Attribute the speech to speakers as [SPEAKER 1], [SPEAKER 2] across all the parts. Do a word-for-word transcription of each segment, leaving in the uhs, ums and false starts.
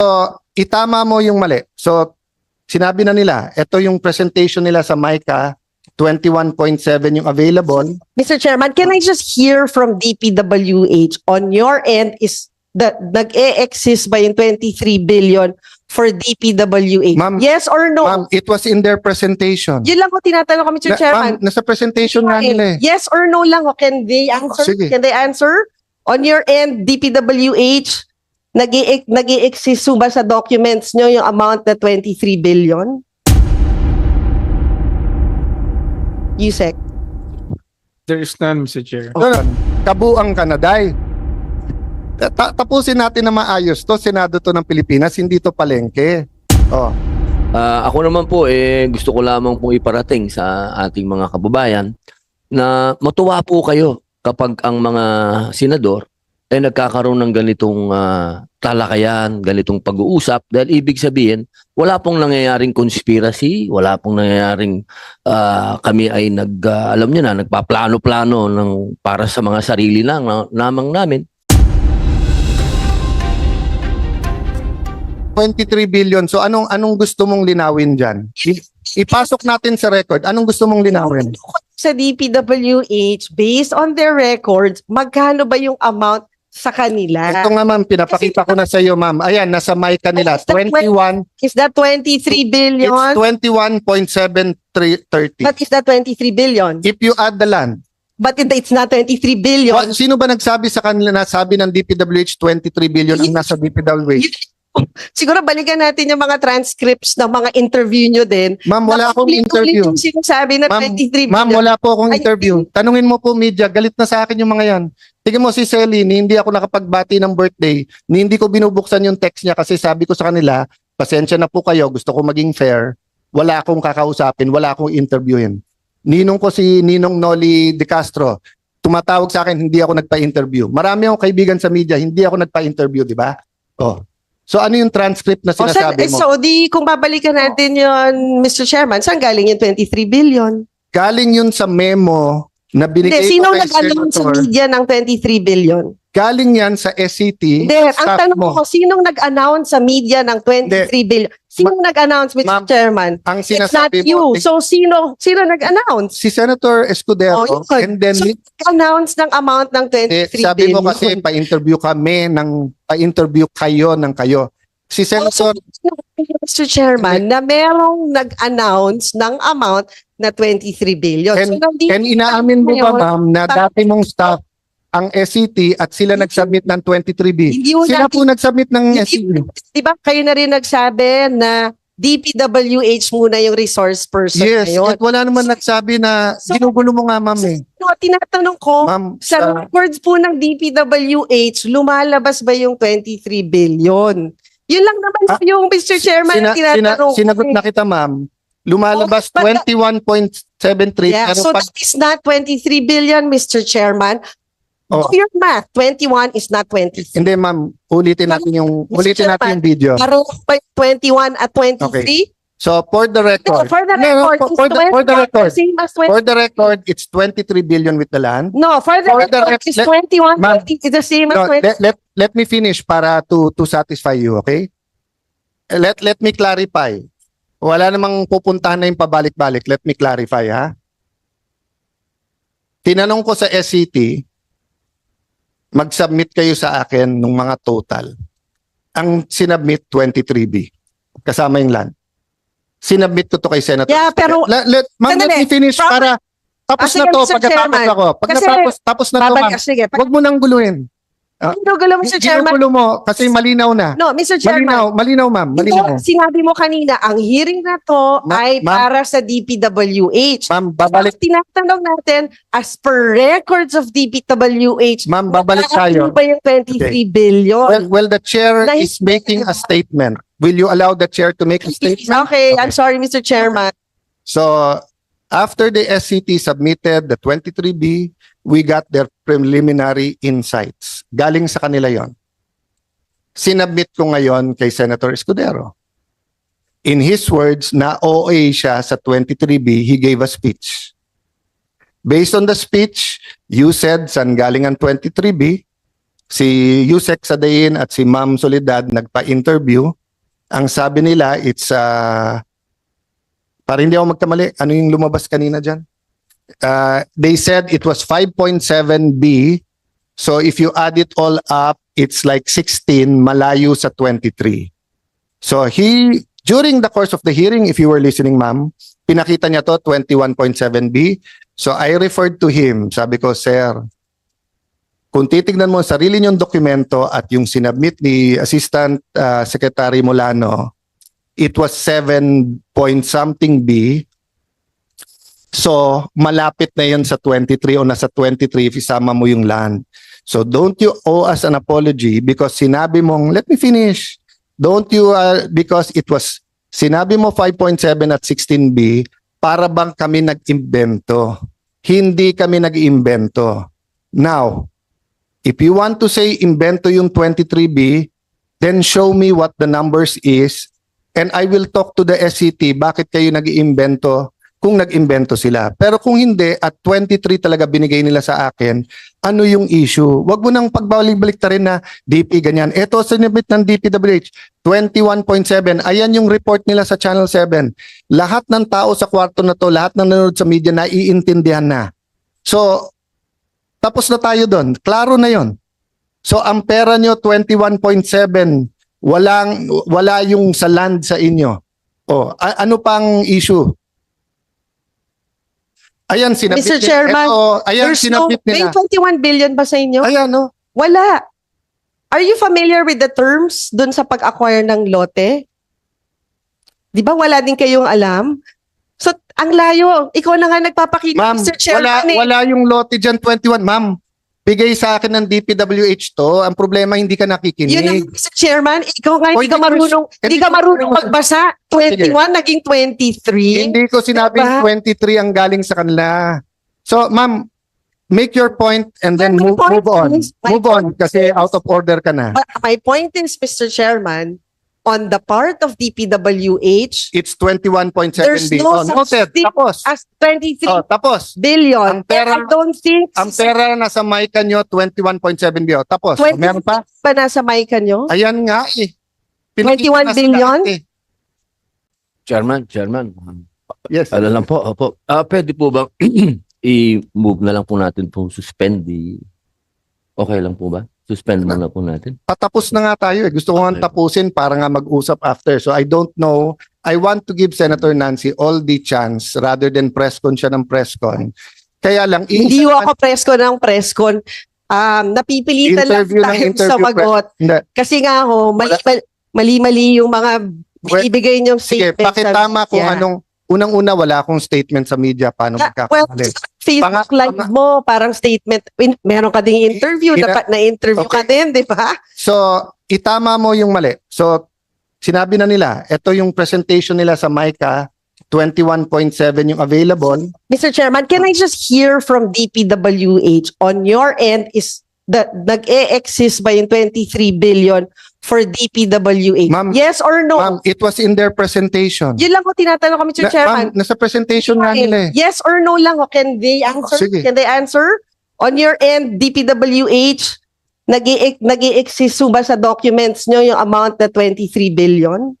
[SPEAKER 1] itama mo yung mali. So, sinabi na nila, ito yung presentation nila sa MICA, twenty-one point seven yung available.
[SPEAKER 2] Mister Chairman, can I just hear from D P W H on your end is that nag-e-exist ba yung twenty-three billion for D P W H?
[SPEAKER 1] Ma'am,
[SPEAKER 2] Yes or no?
[SPEAKER 1] Ma'am, it was in their presentation.
[SPEAKER 2] Yun lang ko tinatanong ko, Mister
[SPEAKER 1] Na-
[SPEAKER 2] Chairman.
[SPEAKER 1] ma'am, nasa presentation nga nila eh.
[SPEAKER 2] Yes or no lang, o can they answer?
[SPEAKER 1] Sige.
[SPEAKER 2] Can they answer? On your end, D P W H, nag-i- nag-i-exist ba sa documents nyo yung amount na twenty-three billion? Yusek.
[SPEAKER 3] There is none, Mister Chair.
[SPEAKER 1] Okay. Kabuang Kanaday. Ta- tapusin natin na maayos to. Senado to ng Pilipinas, hindi to palengke. Oh.
[SPEAKER 4] Ah, ako naman po, eh, gusto ko lamang pong iparating sa ating mga kababayan na matuwa po kayo kapag ang mga senador ay nagkakaroon ng ganitong ah, talakayan, ganitong pag-uusap dahil ibig sabihin, wala pong nangyayaring conspiracy, wala pong nangyayaring ah, kami ay nag, ah, alam niyo na, nagpaplano-plano ng, para sa mga sarili lang, na, namang namin.
[SPEAKER 1] twenty-three billion. So anong anong gusto mong linawin diyan? Ipasok natin sa record. Anong gusto mong linawin?
[SPEAKER 2] Sa D P W H, based on their records, magkano ba yung amount sa kanila?
[SPEAKER 1] Ito nga ma'am, pinapakita ko na sa iyo ma'am. Ayan, nasa mic nila.
[SPEAKER 2] Is that
[SPEAKER 1] twenty-one.
[SPEAKER 2] Is that twenty-three
[SPEAKER 1] It's
[SPEAKER 2] billion?
[SPEAKER 1] twenty-one point seven three zero.
[SPEAKER 2] But is that twenty-three billion?
[SPEAKER 1] If you add the land.
[SPEAKER 2] But it's not twenty-three billion.
[SPEAKER 1] Well, sino ba nagsabi sa kanila na sabi ng D P W H twenty-three billion ang nasa D P W H?
[SPEAKER 2] Siguro balikan natin yung mga transcripts ng mga interview nyo din.
[SPEAKER 1] Ma'am, wala akong
[SPEAKER 2] Nakaulit-ulit
[SPEAKER 1] interview.
[SPEAKER 2] yung sinasabi na
[SPEAKER 1] Ma'am,
[SPEAKER 2] twenty-three
[SPEAKER 1] Ma'am,
[SPEAKER 2] billion.
[SPEAKER 1] wala po akong
[SPEAKER 2] Ay,
[SPEAKER 1] interview. Tanungin mo po media, galit na sa akin yung mga yan. Tingnan mo si Celine, hindi ako nakapagbati ng birthday, ni hindi ko binubuksan yung text niya kasi sabi ko sa kanila, pasensya na po kayo, gusto ko maging fair, wala akong kakausapin, wala akong interviewin. Ninong ko si Ninong Noli De Castro, tumatawag sa akin, hindi ako nagpa-interview. Marami akong kaibigan sa media, hindi ako nagpa-interview, di ba? Oh. So ano yung transcript na
[SPEAKER 2] O, saan-
[SPEAKER 1] sinasabi mo?
[SPEAKER 2] So di kung babalikan natin yun, Mister Chairman, saan galing yung twenty-three billion?
[SPEAKER 1] Galing yun sa memo na binigay
[SPEAKER 2] Hindi, sino
[SPEAKER 1] ko kay
[SPEAKER 2] nag-announce sa
[SPEAKER 1] Senator.
[SPEAKER 2] media ng twenty-three billion?
[SPEAKER 1] Galing yan sa S C T.
[SPEAKER 2] Hindi, ang
[SPEAKER 1] staff
[SPEAKER 2] tanong
[SPEAKER 1] mo.
[SPEAKER 2] ko, sinong nag-announce sa media ng twenty-three billion? Sinong nag-announce, Mister
[SPEAKER 1] Ma'am,
[SPEAKER 2] Chairman?
[SPEAKER 1] Ang
[SPEAKER 2] It's not
[SPEAKER 1] sinasabi
[SPEAKER 2] you.
[SPEAKER 1] mo,
[SPEAKER 2] So sino sino nag-announce?
[SPEAKER 1] si Senator Escudero,
[SPEAKER 2] Oh, yun.
[SPEAKER 1] and then
[SPEAKER 2] So, announce ng amount ng
[SPEAKER 1] eh,
[SPEAKER 2] twenty-three
[SPEAKER 1] sabi
[SPEAKER 2] billion.
[SPEAKER 1] mo kasi pa-interview kami ng pa-interview kayo ng kayo. Si Senator,
[SPEAKER 2] Mister Chairman, na merong nag-announce ng amount na twenty-three billion.
[SPEAKER 1] And-
[SPEAKER 2] nandito
[SPEAKER 1] and inaamin mo ba
[SPEAKER 2] ngayon,
[SPEAKER 1] ma'am na dati mong staff ang S C T at sila nag-submit ng twenty-three B.
[SPEAKER 2] Hindi mo
[SPEAKER 1] Sila
[SPEAKER 2] natin-
[SPEAKER 1] po nag-submit ng
[SPEAKER 2] Hindi-
[SPEAKER 1] S C T.
[SPEAKER 2] Di ba kayo na rin nagsabi na D P W H muna yung resource person
[SPEAKER 1] Yes,
[SPEAKER 2] ngayon?
[SPEAKER 1] at wala naman nagsabi na
[SPEAKER 2] So-
[SPEAKER 1] ginugulo mo nga ma'am eh.
[SPEAKER 2] No, tinatanong ko,
[SPEAKER 1] Ma'am,
[SPEAKER 2] sa
[SPEAKER 1] sa-
[SPEAKER 2] records po ng D P W H, lumalabas ba yung twenty-three billion? Yun lang naman
[SPEAKER 1] Ah,
[SPEAKER 2] yung Mister Chairman
[SPEAKER 1] Sina-
[SPEAKER 2] na tinatanong.
[SPEAKER 1] sina- sinagot na kita ma'am. Lumalabas
[SPEAKER 2] Oh, but-
[SPEAKER 1] twenty-one point seven three.
[SPEAKER 2] Yeah,
[SPEAKER 1] pero
[SPEAKER 2] so
[SPEAKER 1] pag,
[SPEAKER 2] that is not twenty-three billion, Mister Chairman.
[SPEAKER 1] Oh.
[SPEAKER 2] Do your math. twenty-one is not twenty-three.
[SPEAKER 1] hindi ma'am, ulitin natin yung ulitin natin yung video.
[SPEAKER 2] Parang pa- twenty-one at twenty-three?
[SPEAKER 1] So for the
[SPEAKER 2] No,
[SPEAKER 1] record,
[SPEAKER 2] for the
[SPEAKER 1] No, no,
[SPEAKER 2] record,
[SPEAKER 1] for-
[SPEAKER 2] it's
[SPEAKER 1] for the- for the
[SPEAKER 2] twenty-one,
[SPEAKER 1] record.
[SPEAKER 2] same as twenty.
[SPEAKER 1] for the record, it's twenty-three billion with the land.
[SPEAKER 2] No, for the
[SPEAKER 1] for the
[SPEAKER 2] record,
[SPEAKER 1] rec-
[SPEAKER 2] it's
[SPEAKER 1] let-
[SPEAKER 2] twenty-one,
[SPEAKER 1] Ma'am,
[SPEAKER 2] twenty, it's the same as
[SPEAKER 1] No,
[SPEAKER 2] twenty.
[SPEAKER 1] let, let let me finish para to to satisfy you, okay? Let let me clarify. Wala namang pupuntahan na yung pabalik-balik. Let me clarify, ha? Tinanong ko sa S C T, mag-submit kayo sa akin ng mga total. Ang sinubmit, twenty-three B. Kasama yung land. Sinubmit ko to kay Senator.
[SPEAKER 2] Yeah, pero-
[SPEAKER 1] Let, let, ma'am, let
[SPEAKER 2] Sandali.
[SPEAKER 1] me finish
[SPEAKER 2] Pro-
[SPEAKER 1] para tapos
[SPEAKER 2] Ah, sige,
[SPEAKER 1] na to.
[SPEAKER 2] Mister
[SPEAKER 1] Pagkatapos
[SPEAKER 2] Chairman.
[SPEAKER 1] ako. Pag
[SPEAKER 2] Kasi-
[SPEAKER 1] natapos, tapos na to, ma'am.
[SPEAKER 2] Babalik, sige. Pag
[SPEAKER 1] Huwag mo nang guluhin. Ah,
[SPEAKER 2] ginugulo mo, Mister Chairman.
[SPEAKER 1] Ginugulo mo kasi malinaw na.
[SPEAKER 2] No, Mister Chairman.
[SPEAKER 1] Malinaw, malinaw ma'am, malinaw.
[SPEAKER 2] Ito, sinabi mo kanina, ang hearing na to
[SPEAKER 1] Ma-
[SPEAKER 2] ay
[SPEAKER 1] ma'am.
[SPEAKER 2] para sa D P W H.
[SPEAKER 1] Ma'am, babalik,
[SPEAKER 2] Tinatanong natin, as per records of D P W H,
[SPEAKER 1] ma'am, babalik tayo.
[SPEAKER 2] ano ba yung twenty-three billion?
[SPEAKER 1] Well, well, the chair
[SPEAKER 2] Nahis-
[SPEAKER 1] is making a statement. Will you allow the chair to make a statement?
[SPEAKER 2] Okay, I'm sorry, Mister Chairman.
[SPEAKER 1] So, after the S C T submitted the twenty-three B, we got their preliminary insights. Galing sa kanila yon. Sinabmit ko ngayon kay Senator Escudero. In his words, na O A siya sa twenty-three B, he gave a speech. Based on the speech, you said saan galing ang twenty-three B, si Yusek Sadain at si Ma'am Soledad nagpa-interview. Ang sabi nila, it's, uh, para hindi ako magkamali, ano yung lumabas kanina dyan? Uh, they said it was five point seven B. So if you add it all up, it's like sixteen, malayo sa twenty-three. So he, during the course of the hearing, if you were listening, ma'am, pinakita niya to twenty-one point seven B. So I referred to him. Sabi ko, sir, kung titignan mo ang sarili niyong dokumento at yung sinabmit ni Assistant uh, Secretary Molano, it was seven point something B. So malapit na yun sa twenty-three o nasa twenty-three if isama mo yung land. So don't you owe us an apology because sinabi mong, let me finish. Don't you, uh, because it was, sinabi mo five point seven at sixteen B, para bang kami nag-imbento. Hindi kami nag-imbento. Now, if you want to say imbento yung twenty-three B, then show me what the numbers is and I will talk to the S C T bakit kayo nag-iimbento kung nag-imbento sila. Pero kung hindi, at twenty-three talaga binigay nila sa akin, ano yung issue? Huwag mo nang pagbalik-balik ta rin na D P ganyan. Ito, sinibit ng D P W H, twenty-one point seven. Ayan yung report nila sa Channel seven. Lahat ng tao sa kwarto na to, lahat ng nanonood sa media, naiintindihan na. So, tapos na tayo doon. Klaro na yon. So, ang pera nyo, twenty-one point seven. Walang, wala yung sa land sa inyo. O, a- ano pang issue? Ayan, sinabit
[SPEAKER 2] Mister
[SPEAKER 1] nila.
[SPEAKER 2] Chairman,
[SPEAKER 1] Eto, ayan,
[SPEAKER 2] There's no,
[SPEAKER 1] sinabit
[SPEAKER 2] may
[SPEAKER 1] nila.
[SPEAKER 2] twenty-one billion ba sa inyo?
[SPEAKER 1] Ayan, no?
[SPEAKER 2] Wala. Are you familiar with the terms dun sa pag-acquire ng lote? Di ba wala din kayong alam? So, ang layo. Ikaw na nga nagpapakita,
[SPEAKER 1] Ma'am,
[SPEAKER 2] Mister
[SPEAKER 1] wala,
[SPEAKER 2] Chairman. eh.
[SPEAKER 1] wala yung lote dyan, twenty-one. Ma'am, bigay sa akin ng D P W H to. Ang problema, hindi ka
[SPEAKER 2] Yun ang,
[SPEAKER 1] nakikinig.
[SPEAKER 2] Mister Chairman, ikaw nga
[SPEAKER 1] O,
[SPEAKER 2] hindi ka
[SPEAKER 1] hindi ko-
[SPEAKER 2] marunong,
[SPEAKER 1] hindi
[SPEAKER 2] hindi ka
[SPEAKER 1] ko-
[SPEAKER 2] marunong magbasa. twenty-one naging twenty-three.
[SPEAKER 1] Hindi ko sinabing
[SPEAKER 2] Diba?
[SPEAKER 1] twenty-three ang galing sa kanila. So, ma'am, make your point and then
[SPEAKER 2] My
[SPEAKER 1] move,
[SPEAKER 2] point
[SPEAKER 1] move on.
[SPEAKER 2] is- my
[SPEAKER 1] Move on
[SPEAKER 2] point
[SPEAKER 1] kasi
[SPEAKER 2] is-
[SPEAKER 1] out of order ka na.
[SPEAKER 2] But my point is, Mister Chairman, on the part of D P W H,
[SPEAKER 1] It's twenty-one point seven
[SPEAKER 2] there's
[SPEAKER 1] B.
[SPEAKER 2] no
[SPEAKER 1] Oh,
[SPEAKER 2] such
[SPEAKER 1] noted.
[SPEAKER 2] thing
[SPEAKER 1] Tapos.
[SPEAKER 2] as twenty-three
[SPEAKER 1] Oh, tapos.
[SPEAKER 2] billion.
[SPEAKER 1] Ang pera-
[SPEAKER 2] And I don't think
[SPEAKER 1] Ang pera na sa mic nyo, twenty-one point seven B. Oh, tapos. Oh,
[SPEAKER 2] twenty
[SPEAKER 1] meron pa?
[SPEAKER 2] ba nasa mic nyo?
[SPEAKER 1] Ayan nga eh. Pinakita
[SPEAKER 2] twenty-one
[SPEAKER 1] na sa
[SPEAKER 2] billion?
[SPEAKER 1] lahat eh.
[SPEAKER 4] Chairman, Chairman.
[SPEAKER 1] Yes.
[SPEAKER 4] Ano lang po, opo. Ah, pwede po ba i-move na lang po natin po suspend the okay lang po ba? Suspend na lang po natin.
[SPEAKER 1] Patapos na nga tayo eh. Gusto ko nga
[SPEAKER 4] Okay.
[SPEAKER 1] tapusin para nga mag-usap after. So I don't know. I want to give Senator Nancy all the chance rather than press con siya ng press con. Kaya lang,
[SPEAKER 2] Hindi
[SPEAKER 1] iisa-
[SPEAKER 2] ho ako preskon ng preskon. Um, napipilitan lang
[SPEAKER 1] Interview ng
[SPEAKER 2] tayo
[SPEAKER 1] interview,
[SPEAKER 2] sa magot.
[SPEAKER 1] Hindi.
[SPEAKER 2] Kasi nga ho, mali, mali-mali yung mga binibigay niyong
[SPEAKER 1] Sige,
[SPEAKER 2] statements.
[SPEAKER 1] pakitama
[SPEAKER 2] sa
[SPEAKER 1] kung
[SPEAKER 2] media.
[SPEAKER 1] anong, unang-una wala akong statement sa media paano
[SPEAKER 2] Ah, well,
[SPEAKER 1] magkakamali.
[SPEAKER 2] Facebook
[SPEAKER 1] Panga-
[SPEAKER 2] live mo, parang statement. In, meron ka ding interview,
[SPEAKER 1] Ina-
[SPEAKER 2] dapat na-interview ka
[SPEAKER 1] Okay.
[SPEAKER 2] din, di ba?
[SPEAKER 1] So, itama mo yung mali. So, sinabi na nila, ito yung presentation nila sa MICA, twenty-one point seven yung available.
[SPEAKER 2] Mister Chairman, can I just hear from D P W H on your end is that nag-e-exist ba yung twenty-three billion for D P W H?
[SPEAKER 1] Ma'am,
[SPEAKER 2] Yes or no?
[SPEAKER 1] Ma'am, it was in their presentation.
[SPEAKER 2] Yun lang ko tinatanong ko, Mister
[SPEAKER 1] Na-
[SPEAKER 2] Chairman.
[SPEAKER 1] ma'am, nasa presentation nga nila eh.
[SPEAKER 2] Yes or no lang, o can they answer?
[SPEAKER 1] Sige.
[SPEAKER 2] Can they answer? On your end, D P W H, nag-i-exist ba sa documents nyo yung amount na twenty-three billion?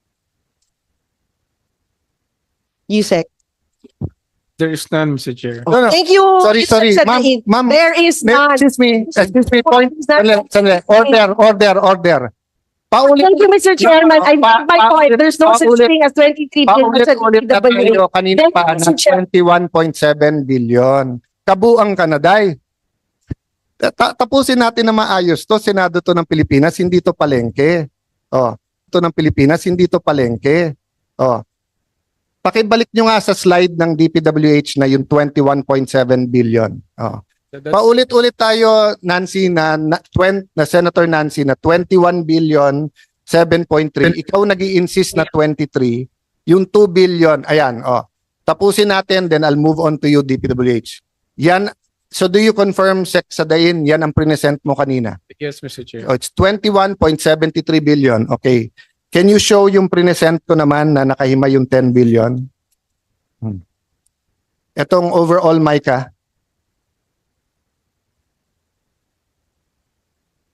[SPEAKER 2] Yusek.
[SPEAKER 3] There is none, Mister Chair.
[SPEAKER 1] No, no.
[SPEAKER 2] Thank you.
[SPEAKER 1] Sorry,
[SPEAKER 2] Mister
[SPEAKER 1] sorry. Ma'am,
[SPEAKER 2] Sadain.
[SPEAKER 1] ma'am,
[SPEAKER 2] There is
[SPEAKER 1] May-
[SPEAKER 2] none.
[SPEAKER 1] excuse me, excuse me, point.
[SPEAKER 2] Is that-
[SPEAKER 1] Sandali, sandali. Order, order, order. Paulit,
[SPEAKER 2] Thank you, Mister Chairman. I
[SPEAKER 1] Pa-
[SPEAKER 2] made my
[SPEAKER 1] pa-
[SPEAKER 2] point. There's no such
[SPEAKER 1] paulit-
[SPEAKER 2] thing as twenty-three billion sa
[SPEAKER 1] paulit-ulit na
[SPEAKER 2] D P W H.
[SPEAKER 1] tayo kanina
[SPEAKER 2] Thank
[SPEAKER 1] pa
[SPEAKER 2] you,
[SPEAKER 1] na
[SPEAKER 2] Mister Chair.
[SPEAKER 1] twenty-one point seven billion. Kabuang Kanaday. Ta- tapusin natin na maayos to. Senado to ng Pilipinas, hindi to palengke. Oh, to ng Pilipinas, hindi to palengke. Oh. Pakibalik nyo nga sa slide ng D P W H na yung twenty-one point seven billion. Oh.
[SPEAKER 3] That's-
[SPEAKER 1] Paulit-ulit tayo, Nancy, na, na, twen- na Senator Nancy, na twenty-one billion, seven point three. Ikaw nag insist na twenty-three. Yung two billion, ayan, oh. Tapusin natin, then I'll move on to you, D P W H. Yan, so do you confirm, Sec Sadain, yan ang present mo kanina?
[SPEAKER 3] Yes, Mister Chair.
[SPEAKER 1] Oh, it's twenty-one point seven three billion. Okay. Can you show yung present ko naman na nakahima yung ten billion? Hmm. Etong overall, Micah.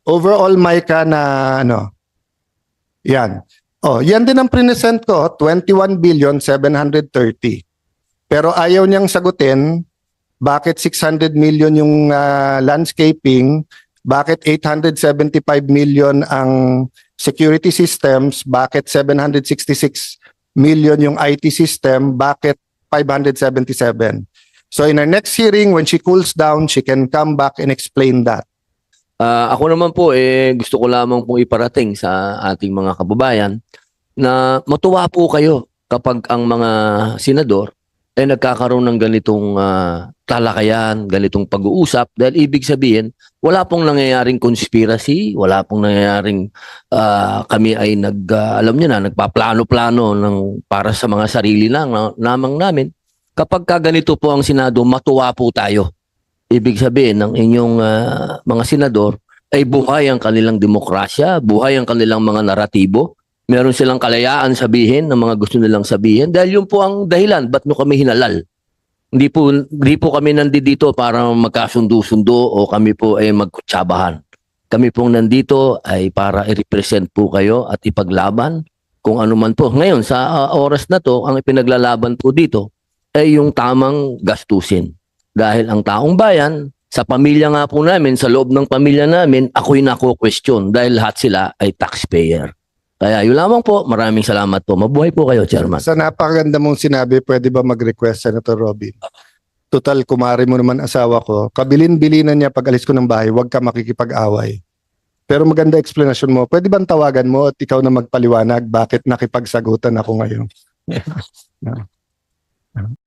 [SPEAKER 1] overall Micah na ano, yan. Oh, yan din ang present ko, twenty-one billion seven hundred thirty. Pero ayaw niyang sagutin bakit six hundred million yung ah, landscaping, bakit eight hundred seventy-five million ang security systems, bakit seven hundred sixty-six million yung I T system, bakit five hundred seventy-seven. So in our next hearing, when she cools down, she can come back and explain that.
[SPEAKER 4] Ah, ako naman po, eh, gusto ko lamang pong iparating sa ating mga kababayan na matuwa po kayo kapag ang mga senador ay nagkakaroon ng ganitong ah, talakayan, ganitong pag-uusap dahil ibig sabihin, wala pong nangyayaring conspiracy, wala pong nangyayaring ah, kami ay nag, ah, alam niyo na, nagpaplano-plano ng, para sa mga sarili lang, na, namang namin. Kapag ka ganito po ang Senado, matuwa po tayo. Ibig sabihin ng inyong ah, mga senador ay buhay ang kanilang demokrasya, buhay ang kanilang mga naratibo. Meron silang kalayaan sabihin ng mga gusto nilang sabihin dahil yun po ang dahilan ba't nyo kami hinalal. Hindi po, hindi po kami nandito para magkasundo-sundo o kami po ay magkutsabahan. Kami pong nandito ay para i-represent po kayo at ipaglaban kung ano man po. Ngayon, sa ah, oras na to, ang ipinaglalaban po dito ay yung tamang gastusin. Dahil ang taong bayan, sa pamilya nga po namin, sa loob ng pamilya namin, ako'y nako-question dahil lahat sila ay taxpayer. Kaya yun lamang po, maraming salamat po. Mabuhay po kayo, Chairman.
[SPEAKER 1] Sa napakaganda mong sinabi, pwede ba mag-request, Senator Robin? Total, kumari mo naman asawa ko. Kabilin-bilinan niya pag alis ko ng bahay, huwag ka makikipag-away. Pero maganda explanation mo. Pwede bang tawagan mo at ikaw na magpaliwanag bakit nakipagsagutan ako ngayon?